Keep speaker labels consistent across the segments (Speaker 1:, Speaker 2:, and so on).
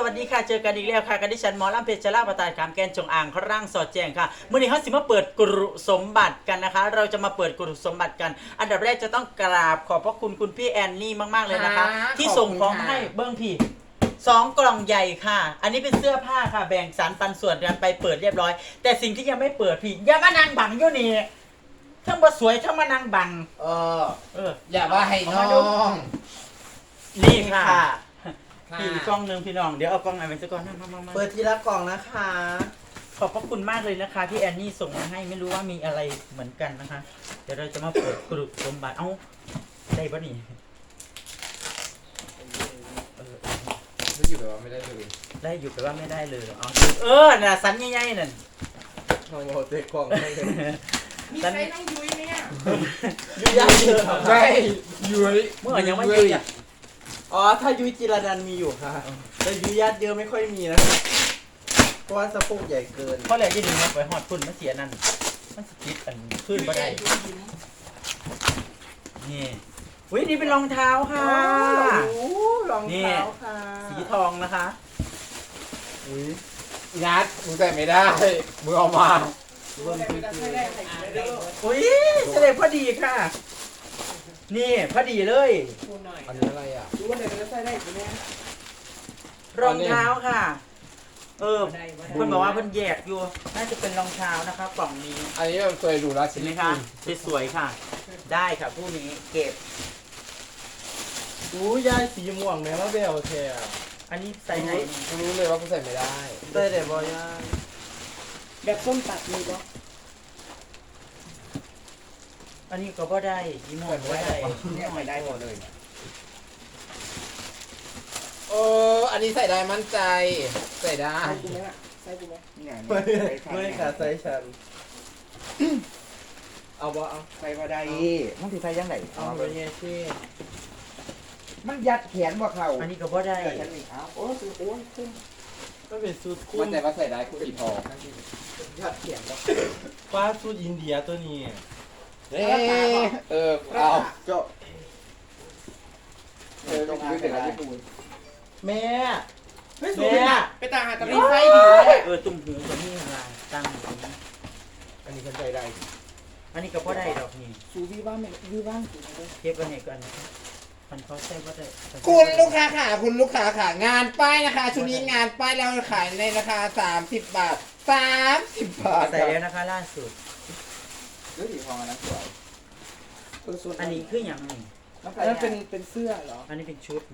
Speaker 1: วัสดีค่ะเจอกันอีกแล้วค่ะกันดิฉันหมอลำเพชรลาประตายขามแกนจงอ่างคร่างสอดแจงค่ะเมื่อนี้เขาสิมาเปิดกรุสมบัติกันนะคะเราจะมาเปิดกรุสมบัติกันอันดับแรกจะต้องกราบขอบพระคุณคุณพี่แอนนี่มากๆเลยนะคะที่ส่งของมาให้เบิ้งพี่2 กล่องใหญ่ค่ะอันนี้เป็นเสื้อผ้าค่ะแบ่งสรรปันส่วนกันไปเปิดเรียบร้อยแต่สิ่งที่ยังไม่เปิดพี่อย่ามานั่งบังอยู่นี่ทั้งบ่สวยทั้งมานั่งบัง
Speaker 2: อย่าว่าให้น้อง
Speaker 1: นี่ค่ะพี่กล้องนึงพี่น้องเดี๋ยวเอากล้องไหนไปสักกล้องมา
Speaker 2: เปิดทีละกล่องนะคะ
Speaker 1: ขอบพระคุณมากเลยนะคะที่แอนนี่ส่งมาให้ไม่รู้ว่ามีอะไรเหมือนกันนะคะเดี๋ยวเราจะมาเปิดกรุสมบัติเอ้าได้ปะนี่
Speaker 2: ไม่อยู่แบบว่าไม่ได้เลย
Speaker 1: ได้อยู่แต่ว่าไม่ได้เลยเอาน่ะสันใหญ่ๆนั่น
Speaker 2: น้องโมเตะกล่องไม่เลย
Speaker 3: มีใครนั่งยุ้ยไหมอ่ะ
Speaker 1: ยุยยากเยอะ
Speaker 2: ไม่ยุ้ย
Speaker 1: เมื่อยังไม่ยุยอ่ะ
Speaker 2: อ๋อถ้ายุ้ยจิรนันท์มีอยู่ค่ะแต่ยุ้ยญาติเยอะไม่ค่อยมีนะคะเพราะว่าสะโพกใหญ่เกิน
Speaker 1: เพราะอะไรจะดึงมาไปหอดคุณมันเสียนั่นมันสกิดอันขึ้นมาได้นี่อุ้ยนี่เป็นรองเท้าค่ะ
Speaker 2: รองเท้าค่ะ
Speaker 1: สีทองนะคะ
Speaker 2: อุ้ยนัดมึงใส่ไม่ได้มึงเอามา
Speaker 1: อุ้ยเสด็จพอดีค่ะ นี่พอดีเลย
Speaker 2: อันนี้อะไรอ่ะ
Speaker 3: ดูว่าไหนจะใส่ได้ไหมเนี่ย
Speaker 1: รองเท้าค่ะ เพื่อนบอกว่าเพื่อนแยกอยู่น่าจะเป็นรองเท้านะคะกล่องนี้
Speaker 2: อันนี้เราเคยดูราชิ
Speaker 1: เห็นไหม
Speaker 2: นี
Speaker 1: คะสวยๆค่ะ ได้ค่ะผู้นี้เก็บ
Speaker 2: อู้ยายสีม่วงแม่ว่าเบลเทีย
Speaker 1: อันนี้ใส่ไหนนี่
Speaker 2: รู้เลยว่ากูใส่ไม่ได้ใส่แต่บอยา
Speaker 3: แบบส้มตัดมีปะ
Speaker 1: อันนี้ก็บ่ได้ยีโมนบ่ได้
Speaker 2: เนี่ยไม่ได้หมดเลยอันนี้ใส่ได้มั่นใจใส่ได้
Speaker 3: ใส่กูไหมอ่ะใส่กูไหม
Speaker 2: ไม่ค่ะใส่ฉันเอาบ่เอา
Speaker 4: ใส่บ่ได้มันสิใส่ยังไง
Speaker 2: เอาไปเงี้ยที่
Speaker 4: มันยัดแขนบ่เข้า
Speaker 1: อันนี้ก็บ่ได้
Speaker 4: ฉันนี่เอาโอ้ยโอ้ยคุ้ม
Speaker 2: ก็เป็นสูตรคู่
Speaker 4: มันแต่ว่าใส่ได้คุณอีทอง
Speaker 2: ยัดเขียนบ่
Speaker 5: ฟ้าสูตรอินเดียตัวนี้
Speaker 4: เอาเจ้าตรงนี้เป็นอะไรที่ดู
Speaker 2: แม่
Speaker 3: ไม่สูงไปต่างหากตะลีไฟดีเลย
Speaker 1: ตุ่มหูกับนี่อะไรตั้งอยู่ตรงนี้
Speaker 4: อันนี้ฉันใส่ได้
Speaker 1: อันนี้ก็บ่ได้ดอกนี่
Speaker 3: สูวีบ้างไม่วีบ้างสูงเลย
Speaker 1: เก็บไว้ให้ก่อนมันเขาใส่บ่ได้
Speaker 2: คุณลูกค้าค่ะคุณลูกค้าค่ะงานป้ายนะคะชุดนี้งานป้ายเราขายในราคา30 บาท30 บาท
Speaker 1: ใส่แล้วนะคะล่าสุด
Speaker 4: หรือสีทองอันนั้นสวย
Speaker 1: อันนี้คืออย่างหนึ่ง
Speaker 3: อันนั้นเป็นเสื้อเหรอ
Speaker 1: อันนี้เป็นชุด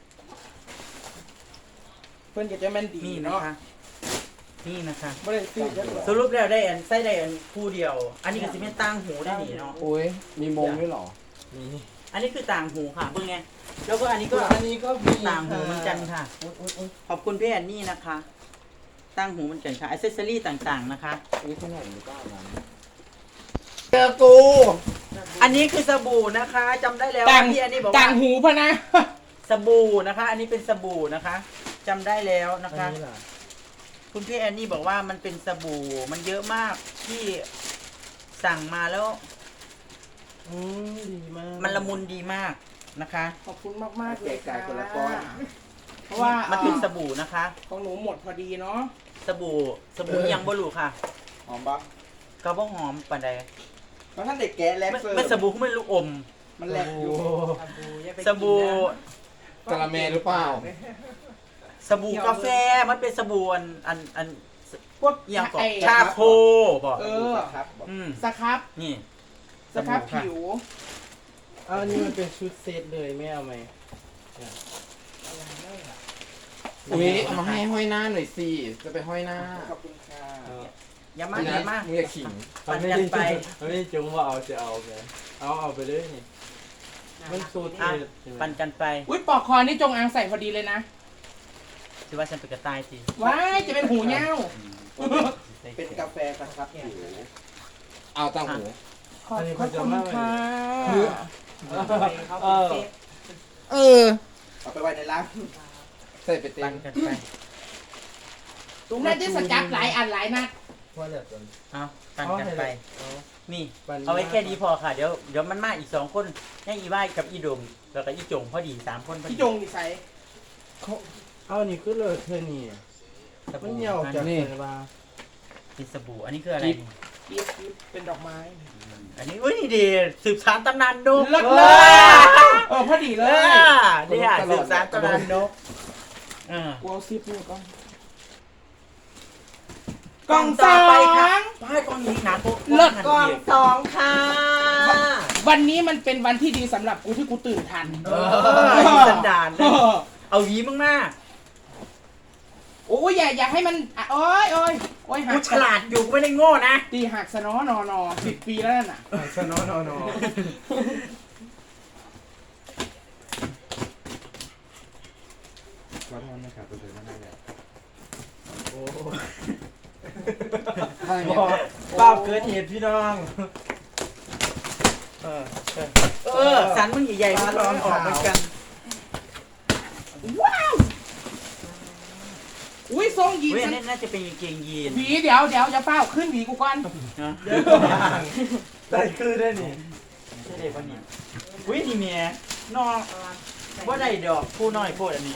Speaker 3: เพื่อนจะแม่นดี
Speaker 1: นี่นะ
Speaker 3: เนาะ
Speaker 1: คะนี่นะคะ
Speaker 3: ไม่ได้ซื้อจะหรอ
Speaker 1: สรุปแล้วได้อันใส่ได้อันคู่เดียว อันนี้ก็สิเป็นต่างหูได้หนิเนาะ
Speaker 2: โอ้ยมีมงด้วยเหรอ
Speaker 5: มี
Speaker 1: อันนี้คือต่างหูค่ะเพิ่งไงแล้วก็อันนี้ก็
Speaker 2: อันนี้ก็มี
Speaker 1: ต่างหูเหมือนกันค่ะ ขอบคุณพี่แอนนี่นะคะ ต่างหูเหมือนกันค่ะอิเซสซอรี่ต่างๆนะคะ
Speaker 4: นี่เท่าไหร่หรือเปล่านั้น
Speaker 2: เจอกู
Speaker 1: อันนี้คือสบู่นะคะจำได้แล้ว
Speaker 3: ต่าง
Speaker 1: พี่แอนนี่บอก
Speaker 3: ต่า
Speaker 1: ว่าง
Speaker 3: หูพะนะ
Speaker 1: สบู่นะคะ อันนี้เป็นสบู่นะคะจำได้แล้วนะคะ คุณพี่แอนนี่บอกว่ามันเป็นสบู่มันเยอะมากที่สั่งมาแล้ว
Speaker 2: ดีมาก
Speaker 1: มันละมุนดีมากนะคะ
Speaker 3: ขอบคุณมากๆเล
Speaker 4: แจ
Speaker 3: ย
Speaker 4: กจ่ายคนละก้อน
Speaker 3: เพราะว่า
Speaker 1: มันเป็นสบู่นะคะ
Speaker 3: ของหนูหมดพอดีเนาะ
Speaker 1: สบู่ยังบ่รู้ค่ะ
Speaker 4: หอมปะ
Speaker 1: ก็บ่หอมปานใด
Speaker 4: เพราะท่านเด็กแกะแลกเซอร์
Speaker 1: ไม่สบู่ไม่รู้อม
Speaker 4: มันแลกอยู่
Speaker 1: สบู่
Speaker 2: กะละเมหรือเปล่า
Speaker 1: สบู่กาแฟมันเป็นสบู่อัน
Speaker 3: พวก
Speaker 1: อย่างก่อน
Speaker 3: ไอ้
Speaker 1: ชาโคบอก
Speaker 4: ครับบอก
Speaker 3: สครับ
Speaker 1: นี่
Speaker 3: สครับผิว
Speaker 2: อันนี้มันเป็นชุดเซตเลยไม่เอาไหมอุ้ยเอามาให้ห้อยหน้าหน่อยสิจะไปห้อยหน้า
Speaker 4: ขอบคุณค่ะ
Speaker 1: อย่ามาอย่ามา
Speaker 2: มึงอย่าขิง
Speaker 1: ปั่นกันไป
Speaker 5: มันไม่ได้จงว่าเอาจะเอาไงเอาไปเลยนี่มันสูตร
Speaker 1: อ่ะ
Speaker 5: เด็ดใช่ไหม
Speaker 1: ปั่นกันไป
Speaker 3: อุ้ยปอกคอนี่จงอางใส่พอดีเลยนะ
Speaker 1: ถือว่าฉันเป็นกระต่ายสิ
Speaker 3: ว้ายจะเป็นหูเง่า
Speaker 4: เป็นกาแฟสครับผิว
Speaker 2: เอาตั้งหู
Speaker 3: ขอบคุณค่ะ
Speaker 2: เออ
Speaker 4: เอาไปไว้ในร้าน
Speaker 2: ใส่ไปเต็
Speaker 1: ปั่
Speaker 2: ม
Speaker 1: นกันไป
Speaker 3: น่าจะสกับหลายอันหลายนัด
Speaker 5: ว่าแบบนั้น
Speaker 1: เอาปั่นกันไป นี่
Speaker 5: ปั่น
Speaker 1: เอาไว้แค่นี้พอค่ะ เดี๋ยวมันมาอีก2 คนให้อีว่ายกับอีดมแล้วก็อีจงพอดี3 คนพอดี
Speaker 3: พี่จงดิใส่
Speaker 1: พ
Speaker 5: เอานี่คือเลยเธอนี่มันเหี่ยวจากไหนมา
Speaker 1: มีสบู่อันนี้คืออะไร
Speaker 3: กิ๊บเป็นดอกไม้
Speaker 1: อันนี้อุ้ยนี่ดีสืบสานตำนานนก
Speaker 3: เลิศเลย พอดีเลย
Speaker 1: เนี่ยสืบสานตำนานนก
Speaker 3: กูเอาซิปนี่ก่อน
Speaker 1: กล่องต่อไปค่ะป้ายกล่องนี้หนาโป๊ะ
Speaker 3: เลิศ
Speaker 1: กล่องสองค่ะ
Speaker 3: วันนี้มันเป็นวันที่ดีสำหรับกูที่กูตื่นทัน
Speaker 1: สันดานเลยเอาหวีมาก
Speaker 3: โอ้ยอย่าให้มันโอ้ย
Speaker 1: ๆ
Speaker 3: หั
Speaker 1: กู
Speaker 3: ก
Speaker 1: ฉลาดอยู่กูไม่ได้โง่นะ
Speaker 3: ตีหักสนอนอ10 ปีแล้วน่ะ
Speaker 5: ชนะนอนขอโทษนะครับตัวเธอไม่ได้เลยโอ้ป้าเกิดเหตุพี่น้อง
Speaker 1: สันมึงใหญ่ๆมึงลองออกเหมือนกัน
Speaker 3: ว้าวอุ้ยทรงยีน
Speaker 1: เว้ย
Speaker 3: ฉัน
Speaker 1: นี่น่าจะเป็นกางเกงยีน
Speaker 3: หวีเดี๋ยวจะเฝ้าขึ้นหวีกูก่อน
Speaker 1: นะ
Speaker 5: ได้คือได้นี่
Speaker 1: ใช่เลยปะเนี่ยอุ้ยนี่เมียนอกว่าได้ดอกผู้น้อยโพดอันนี้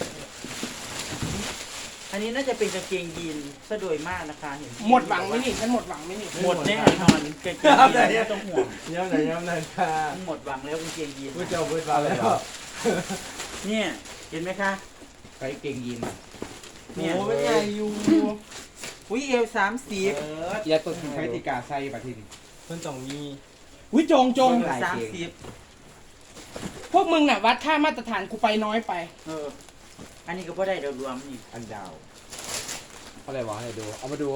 Speaker 1: อันนี้น่าจะเป็นกางเกงยีนซะโดยมากนะคะเห็น
Speaker 3: หมดหวังไหมนี่ฉันหมดหวังไหมนี่
Speaker 1: หมดแน่นอนกางเกงยีนไม่ต้องห่วง
Speaker 5: ย้ำไหนค่ะ
Speaker 1: หมดหวังแล้วกางเกงยีน
Speaker 5: พูดเจ้าพูดมาแล้ว
Speaker 1: เนี่ยเห็นไหมคะ
Speaker 2: ไปเก่งยิน
Speaker 1: เนี่ย
Speaker 5: โอ้เป็นไงอยู่
Speaker 1: อุ้ยเอว30
Speaker 2: อย่าตัวถึงใช้ติกาใส่บัตรที่นี่
Speaker 5: เพิ่นต้องมี
Speaker 3: อุ้ยจง
Speaker 2: หลาย
Speaker 3: พวกมึงน่ะวัดค่ามาตรฐานกูไปน้อยไป
Speaker 1: อันนี้ก็พอได้เดารวมนี่
Speaker 2: อันดาวอะไรวะให้ดูเอามาดู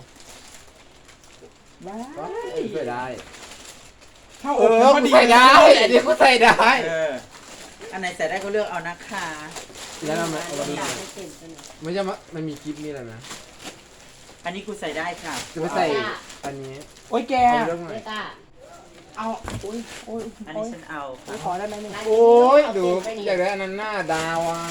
Speaker 3: ว้า
Speaker 2: ใส่ได้
Speaker 3: เท่าอกพอดี
Speaker 2: ใส่ได้อันนี้ก็ใส่ได้
Speaker 1: อันไหนใส่ได้ก็เลือกเอานะคะ
Speaker 2: แล้วมันไม่ใช่มันมีคลิปนี่แหละนะ
Speaker 1: อันนี้กูใส่ได้ค่ะ
Speaker 2: จะไม่ใส่อันนี้
Speaker 3: โอ้ยแก
Speaker 2: เอาเรื่องหน่อย
Speaker 3: เอาโอ้ย
Speaker 1: อันนี้ฉันเอาค่ะ
Speaker 3: ขอได้ไหมเนี่ย
Speaker 2: โอ้ยดูอยากได้อันนั้นหน้าดาวอ่ะ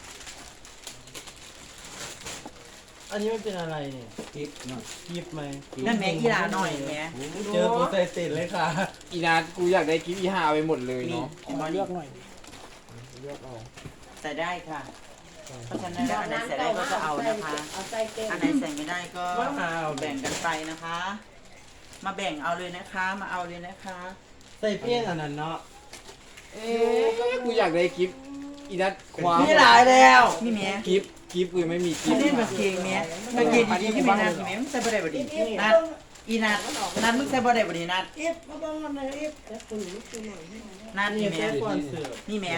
Speaker 5: อันนี้มันเป็นอะไรเนี่ย
Speaker 2: คลิปหน่อย
Speaker 5: คลิปไหม
Speaker 1: นั่นแม่กีฬาหน่อยแม่
Speaker 5: เจอตัวใส่ติดเลยค่ะ
Speaker 2: อีนัทกูอยากได้คลิปอีฮาไปหมดเลยเนาะ
Speaker 3: ขอเลือกหน่อย
Speaker 2: เลือกเอา
Speaker 1: ใส่ได้ค่ะ เพราะฉะนั้นแล้วอันไหนใส่ได้ก็จะเอานะคะ อันไหนใส่ไม่ได้ก็แบ่งกันไปนะคะ มาแบ่งเอาเลยนะคะ มาเอาเลยนะคะ
Speaker 5: ใส่เพี้ยนอันนั้นเนาะ
Speaker 2: กูอยากได้คลิปอีนัทความ
Speaker 1: มีหลายแล้วนี่แม่
Speaker 2: คลิปกูยังไม่มีคลิ
Speaker 1: ที่
Speaker 2: ป
Speaker 1: เล่นกางเกงแม่กางเกงดีๆที่ไม่นัดที่แม่มึงใส่บ่ได้บ่ดีนัดอีนัดนัดมึงใส่บ่ได้บ่ดีนัดนัดนี่แม่
Speaker 5: ก่อนเสือ
Speaker 1: นี่แม่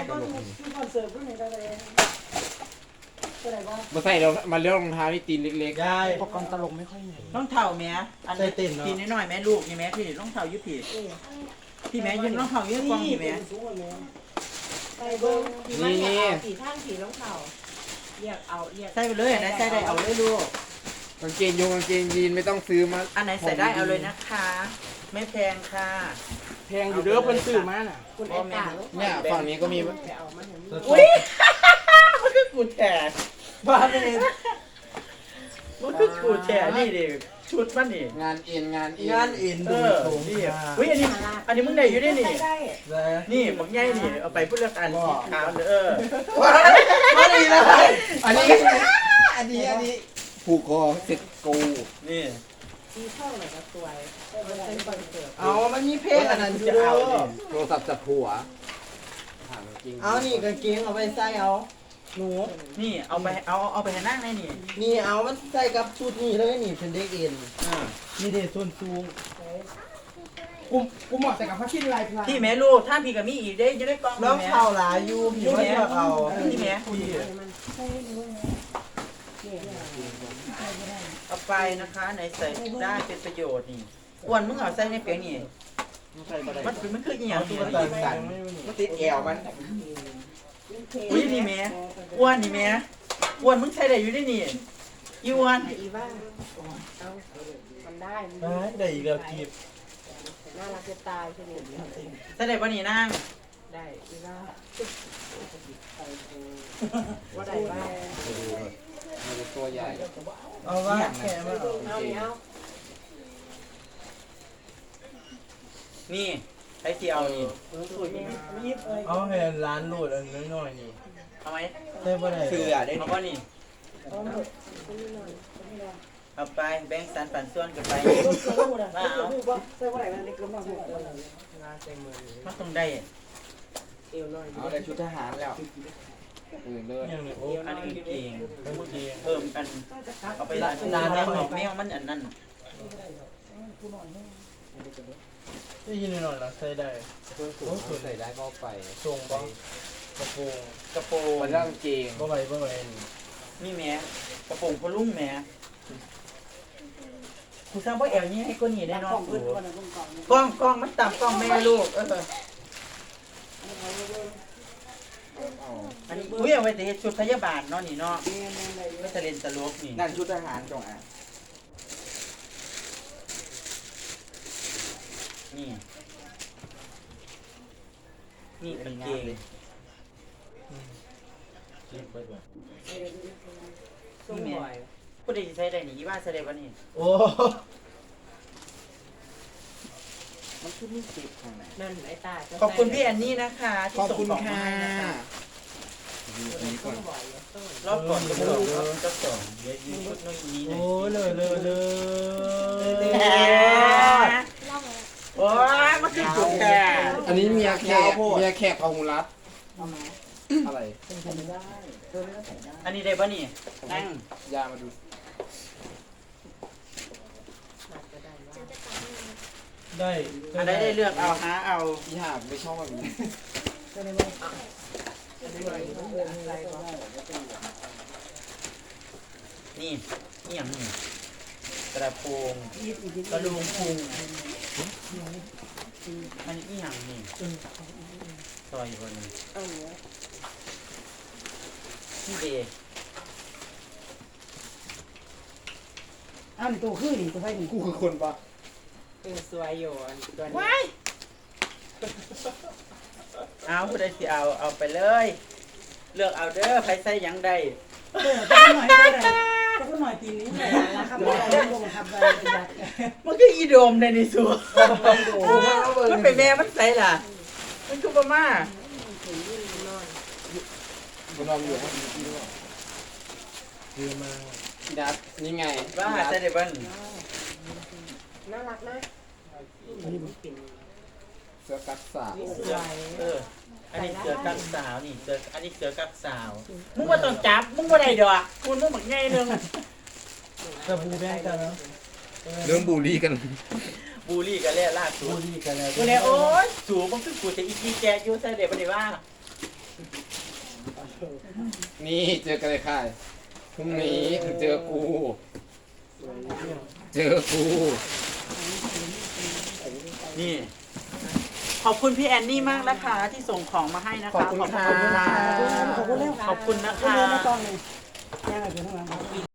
Speaker 2: มาใส่เรามาเลือกรองเท้าที่ตีนเล็ก
Speaker 5: ได้
Speaker 3: อุปกรณ์ตลกไม่ค่อยมี
Speaker 1: รองเท้าแม่อัน
Speaker 5: ใส่ติ่นเนอะ
Speaker 1: ตีนน้อยๆแม่ลูกนี่แม่พี่รองเท้ายุพี่พี่แม่ยืนรองเท้ายืนกองนี่แม่
Speaker 6: ไปเบิ้ง
Speaker 2: ๆนี่
Speaker 6: สีข้างสีรองเท้าเรียกเอาเรียก
Speaker 1: ใส่ไปเลยอันไหนใส่ได้เอาเลยลูก
Speaker 2: กางเกงกางเกงยีนไม่ต้องซื้อมา
Speaker 1: อันไหนใส่ได้เอาเลยนะคะ ไม่แพงค่ะ
Speaker 3: แพงอยู่เด้อเพิ่นซื้อมาน่ะ
Speaker 6: คุณไอ้ตาลูก
Speaker 2: เนี่ยฝั่งนี้ก็มี
Speaker 6: ไปเอามาเห็น
Speaker 1: อุ้ยมันคือกูแฉบ้าเลยมันคือกูแฉนี่ดิชุดมันนี่
Speaker 2: งานเอ็น
Speaker 5: งานอิน
Speaker 1: เอ
Speaker 5: ดู
Speaker 1: อ
Speaker 5: สูง
Speaker 1: นี่
Speaker 5: ค่ะ
Speaker 1: อุ้ยอันนี้มึงได้อยู่ได้นี่
Speaker 6: ได้
Speaker 5: ได้
Speaker 1: นี่บอกง่ายนี่เอาไปพูดเรื่องอันสีขาวเออ
Speaker 5: มาดีเลย
Speaker 2: อันนี้ผูกคอเสร็จกู
Speaker 1: นี่
Speaker 6: สีช่องไหนก็สวยมันเป็นคอนเสิร์ต
Speaker 5: เอามันมีเพลงอันนั้นอยู่
Speaker 1: จะ
Speaker 5: เด้
Speaker 1: เอา
Speaker 5: อ
Speaker 2: โทรศัพท์จับหัวถามจริง
Speaker 5: เอานี่กางเกงเอาไปใส่เอาหนู
Speaker 1: นี่เอาไปให้นั่งได้นี่
Speaker 5: นี่เอามันใส่กับชุดนี่เลยนี่เป็นเด็กเอ็น
Speaker 1: อ่า
Speaker 5: นี่เด็กส่วนสูง
Speaker 3: กูเหมาะแต่กับผ้าชิ้นลายพลาง
Speaker 1: พี่แม่ลูกถ้าพี่กับมีอีกได้จะได้กล้อง
Speaker 5: น้อง
Speaker 1: แม่
Speaker 5: เข่าหลายอยู่พี่ว่าจะเอา
Speaker 1: พี่แม่
Speaker 5: พี่
Speaker 6: มันใช่ด้วยเนี่ย
Speaker 1: เอาไปนะคะไหนใส่ได้เป็นประโยชน์นี่อ้วนมึงเอาใส่ในเปียงนี่มันคืออีหยัง
Speaker 5: ตุ๊
Speaker 1: นี่
Speaker 5: กตาสั่น
Speaker 2: มันติดแอวมัน
Speaker 1: อุ้ยนี่แม่อ้วนนี่แม่อ้วนมึงใส่ได้อยู่ได้นี่อีอ้วน
Speaker 6: อีบ้าเอามันได้
Speaker 5: ได้อีกแล้วกีบ
Speaker 6: น่ารักจะตายใช่ไหม
Speaker 1: ใส่ได้ป่ะนี่นาง
Speaker 6: ได้อีบ้าว่าได้บ้า
Speaker 2: มันตัวใหญ่
Speaker 5: เอาว่าแค่มาเอา
Speaker 6: เอาเนี้ย
Speaker 1: นี่ช้ที่เอานี่
Speaker 6: สูตรนี้ยิบเลย
Speaker 5: เอาให้ร้านรูดอันน้อยๆนี่
Speaker 1: เอาไหม
Speaker 5: ได้บ่ได้
Speaker 4: เสือได้
Speaker 1: เอา
Speaker 4: นี่
Speaker 1: ป่ะนี่
Speaker 6: เอาหมดนี่หน่อยนี่หน่อย
Speaker 1: เอาไปแบ่งสันปันส่วนกันไป
Speaker 6: รถเสือหมดอ่ะรู้ป่ะใส่ว่าไหนมันเล็กลงมาหมดเลยงานเต็มมือ
Speaker 1: มันต้องได้
Speaker 6: เอวหน่อย
Speaker 4: เอาได้ชุดทหารแล้ว
Speaker 2: เลิศ
Speaker 5: ยังนี่โอ้
Speaker 1: อันนี้เก่ง
Speaker 5: โอเค
Speaker 1: เพิ่มกันเอาไปร้านแมวแมวมันอันนั้น
Speaker 5: ได้ยินหน่อยๆนะใส่ได้
Speaker 2: เพื่อนสูงใส่ได้ก็ไป
Speaker 5: ทรงบ่กระโปรง
Speaker 1: กระโปรง
Speaker 2: มันเรื่องเกง
Speaker 5: บ่ไหวนี่
Speaker 1: นี่แหม่กระโปรงพลุ่งแหม่กูสร้างว่าแอลนี่ให้ก้นหนีได้
Speaker 6: ได้
Speaker 1: เนาะ
Speaker 6: ของพื้นวันนั้นกอง
Speaker 1: กล้องมันต่ำกล้องแม่ลูกอันนี้อุ้ยเอาไว้แต่เฮ็ดชุดพยาบาลเนาะนี่เนาะไม่ทะเลนตลกนี่
Speaker 4: นั่นชุดทหารจงอ่าง
Speaker 1: นี่นี่เป็นเกง
Speaker 5: คิดไปบ่
Speaker 6: ส้มบ่อย
Speaker 1: ผู้ใดสิใช้ได้นี่อีบ้านใช้ได้บ่นี่
Speaker 5: โอ้
Speaker 4: มันชุดนี่เก็บข้างใน
Speaker 6: นั่นไอ้ตา
Speaker 1: ขอบคุณพี่แอนนี่นะคะที่
Speaker 2: ขอบ
Speaker 1: ส่ง
Speaker 2: คุณ
Speaker 1: ของมา
Speaker 2: ค่ะ
Speaker 1: ให้นะคะ
Speaker 2: นี่ก่อน
Speaker 6: บ่อยต้น
Speaker 1: รอบก่อนก็ส่งรอบก็ส่งเดี๋ยวยืนชุดนู้นนี้หน่
Speaker 5: โอ้
Speaker 1: อย
Speaker 5: เลย
Speaker 1: โอ้ยมันคือจุกแก
Speaker 2: อันนี้เมียแขกพาหุรัตอะไร
Speaker 1: อันนี้ได้ป่ะนี่นั่ง
Speaker 2: ยามาดู
Speaker 5: ได้
Speaker 1: อันใดได้เลือกเอาหาเอา
Speaker 2: พี่หาไม่ชอบแบบนี้
Speaker 1: นี่นี่อย่างนี้กระโปรงกระลุงพุงอันนี้อีหยังนี่ซอยอยู่บนนี้นี่เด
Speaker 6: อ้าวนี่ตัวขึ้นนี่ตัวไฟนี่
Speaker 2: กูคือคนปะ
Speaker 6: สวยอยู่ตัวนี้
Speaker 1: ว้ายเอาผู้ใดสิเอาไปเลย เลือกเอาเด้อใครใส่หยังได้
Speaker 6: ก็หน่อยได้ก็หน่อยปีนี้เลยนะครับเราลงทำอะไรกัน
Speaker 1: มันคืออีโดมในนี่สัวมันเป็นแม่มันใส่ล่ะ มันคือประมา
Speaker 2: คุณนอนอยู่ห้องนี้ที่ด้วย
Speaker 5: คือมา
Speaker 2: พี่นัทนี่ไง
Speaker 1: ว่าใส่ได้บ้าง
Speaker 6: น่ารักนะนี่มันเป็น
Speaker 2: เสื้อกั๊กสาว
Speaker 6: สวย
Speaker 1: อันนี้เสือกักสาวนี่อันนี้เสือกักสาว มึงว่าต้องจับ มึงว่าได้ดอกคุณมึงบักง่ายนึง
Speaker 5: กระบูแบงกันเนาะ
Speaker 2: เรื่องบูลลี่กัน
Speaker 1: บูลลี่กันแล้วล่าสุ
Speaker 5: บู
Speaker 1: ด
Speaker 5: ดีกันแล้ว
Speaker 1: กูเลยโอ๊ยสูบมึงคือกูจะอีกีแกอยู่ใส่เด็กปฏิว่า
Speaker 2: นี่เจอกันเลยค่ะพรุ่งนี้มึงเจอกู เจอกู
Speaker 1: นี่ ขอบคุณพี่แอนนี่มากนะคะที่ส่งของมาให้นะคะ
Speaker 2: ขอบคุณค่ะ
Speaker 1: ขอบคุณนะคะ
Speaker 6: ขอบคุณแล้วขอบคุณนะคะขอบคุณเลยนะตอนนี้ยังไงเป็นทั้งนั้น